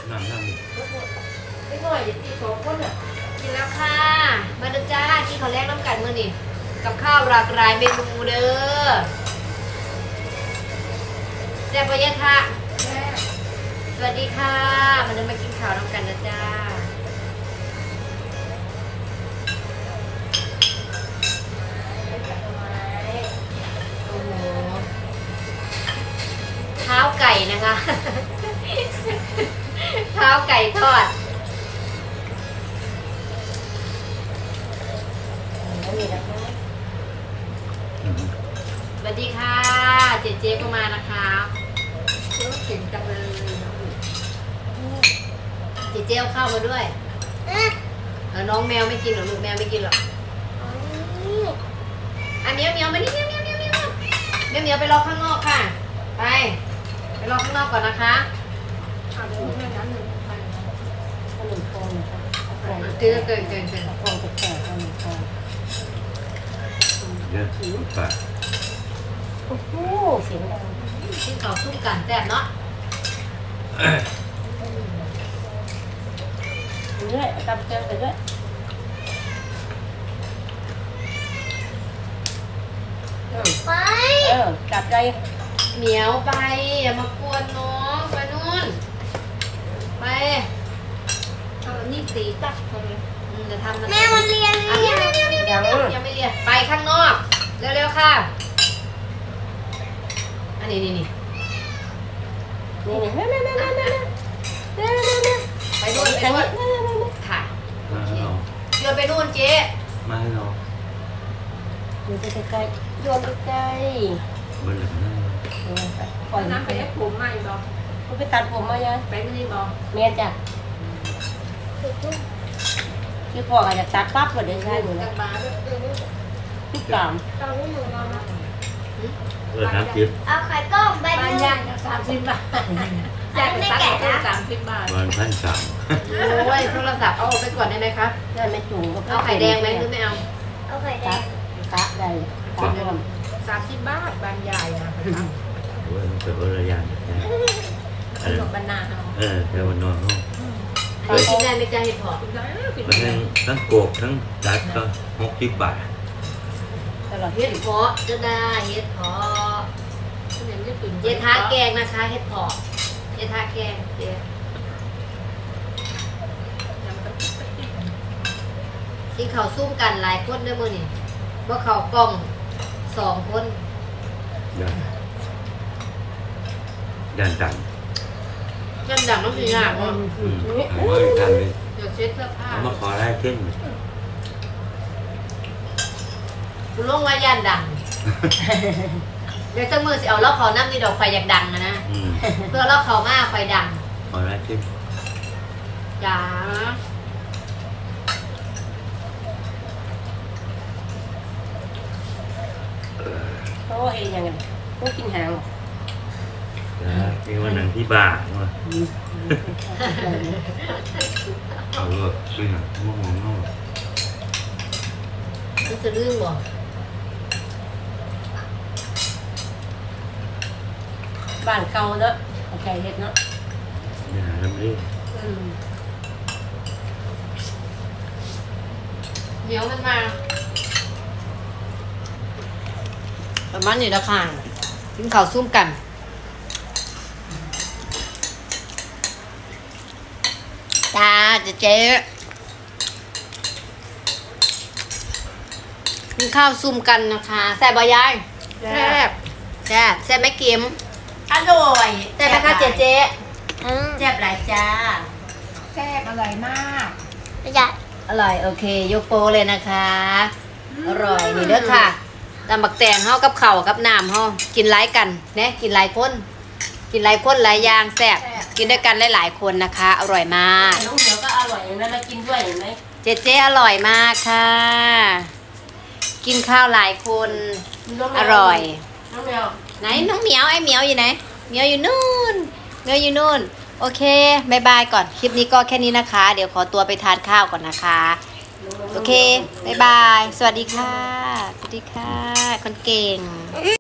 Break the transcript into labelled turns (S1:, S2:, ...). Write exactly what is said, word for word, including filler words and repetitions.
S1: น้ำน้ำดิ
S2: ไม่หน่อยเดี๋ยวตีสองคนอ่ะกินแล้วค่ะมาเด้อจ้ากินข้าวแรกน้ำกันมื้อนี้กับข้าวหลากหลายเมนูเด้อแซ่บปะยะค่ะสวัสดีค่ะมาเดินมากินข้าวน้ำกันนะจ้าโอ้โหเท้าไก่นะคะ เท้าไก่ทอดสวัสดีค่ะเจเจก็มานะคะเก่งจังเลยเจเจเอาข้าวมาด้วยเออน้องแมวไม่กินหรอกลูกแมวไม่กินหรอกอ่ะเมียวเมียวมานี่เมียวเมียวเมียวเมียวเมียวเมียวไปรอข้างนอกค่ะไปไปรอข้างนอกก่อนนะคะเกินเกินเกินเกิน
S3: ฟองแก่ๆเอาหนึ่งฟอง
S1: เยอะปาก
S3: โอ้โหเสียงดัง
S2: กินข้าวซุ่มกันแซ่บเนาะ
S3: เรื่อยตำเกลือไปด้วยเออ
S2: ไป
S3: เออจับใจ
S2: เหมียวไปอย่ามากวนน้องไปนู่นไปเอานี่สีตักเลยอืมจะทำนะ
S4: แม่มันเรียน
S2: อ่ะเมียวเมียวเมียวเมียวเมียวยังไม่เรียนไปข้างนอกเร็วๆค่ะอันนี้นี่นี่
S3: นี่นี่แม่แม่แม่แม่แม่แม่แม่แม่
S2: ไปนู่นไปนู่นค่ะ
S1: มาให้เรา
S2: โยนไปนู่นเจ๊
S1: มาให้เรา
S3: อยู่ใกล้ๆโยนใกล้
S1: เบอร์หนึ่งนั่น
S3: ๆเออปล่อย
S2: น้ำไปให้ผมใหม่บอก
S3: คุณไปตัดผมมายัง
S2: ไปไม่ได้บอก
S3: เมียจ้ะพี่พ่ออาจจะตัดปั๊บก็ได้ใช่หนูนะ
S2: บาร์
S3: พี่กาม
S4: ตอนนี้หนูนอนนะ
S1: เออน้ำจิ๊บ
S4: เอาไข่ต้มใบ
S2: บ้าน
S4: นึง
S2: ย่างสามสิบบาทย่างตักสามสิบบาท
S1: วันพันสาม
S2: โอ้ยโทรศัพท์เอาออกไปก่อนได้ไหมคะ
S3: ได้ไม่จุ่มก็
S2: เอาไข่แดงไหมหรือไม่เอา
S4: เอาไข่แด
S3: ตั
S4: ง
S3: ดตัดได้ตัดรวม
S2: สามสิบบาทบานใหญ่นะ
S1: โอ้ยมันเกิดอะไรอย่างเงี้ย
S2: ขนมบานนาเอา
S1: เออเดี๋ยววันนอนห้อง
S2: อันนี้กินได้ไหมจ๊ะเห็ดหอม
S1: มันทั้งทั้งโกกทั้งจัดก็หกสิบบาท
S3: ตลอด
S2: เห็ดเพาะจะได้เห็ดเพาะเห็ดทาแกงนะคะเห็ดเพาะเห็ดทาแกงเจ๊ที่เขาซุ่มกันหลายคนด้วยมือนี่ว่าเขากล้องสองคน
S1: ยันยันดัง
S2: กันดังต้องสีหน้าเนาะ
S1: อืมเอามาอีกทันเลย
S2: เดี๋ยวเช็ดเสื้อผ้า
S1: เอามาขอได้ขึ้น
S2: คุณลุงว่ายันดัง เดี๋ยวสักมือสิเอาเล่าเขานั่งนี่ดอกไฟอยากดังนะนะ
S1: อืม
S2: เพื่อเล่าเขามากไฟดัง
S1: ขอได้ขึ้น
S2: จ๋า
S1: เออ
S3: โอ้เห็นยังไงก็กินหาง
S1: นะที่วันนั้นที่บ้านว่าเอาเลิกซื้อหนังง่วงง่วงง่วง
S2: นี่จะลื่นบ่
S3: บ้านเก่าเนาะโอเคเห็ดเนาะ
S1: อย่าทำเรื่อง
S2: เหนียวมันมาประมาณนี้ละค่ะกินข้าวซุ่มกันจ้าเจ๊เจ๊กินข้าวซุ่มกันนะคะแซ่บบ่ยายแซ่บแซ่บแซ่บไหมเกม
S3: อร่อย
S2: แซ่บไหมคะเจ๊เจ๊
S4: อืม
S3: แซ่บหลายจ้า
S2: แซ่บอร่อยมาก
S4: ไม่ได้
S2: อร่อยโอเคยกโปรเลยนะคะอร่อยนี่เด้อค่ะตำบักแตงเฮากับข้าวกับน้ำเฮากินหลายกันเนี่ยกินหลายคนกินหลายคนหลายอย่างแซ่บกินด้วยกันหลายๆคนนะคะ อร่อยมาก
S3: น้องเหนียวก็อร่อยอย่างนั้นแล้วกินด้วยเห็นไหม
S2: เจ๊เจ๊อร่อยมากค่ะ กินข้าวหลายคน
S3: น้งแมว
S2: อร่อย
S3: น้องแมว
S2: ไหนน้องเหมียวไอ้เหมียวอยู่ไหนเหมียวอยู่นู่นเหมียวอยู่นู่นโอเคบายบายก่อนคลิปนี้ก็แค่นี้นะคะ เดี๋ยวขอตัวไปทานข้าวก่อนนะคะโอเคบายบายสวัสดีค่ะสวัสดีค่ะคนเก่ง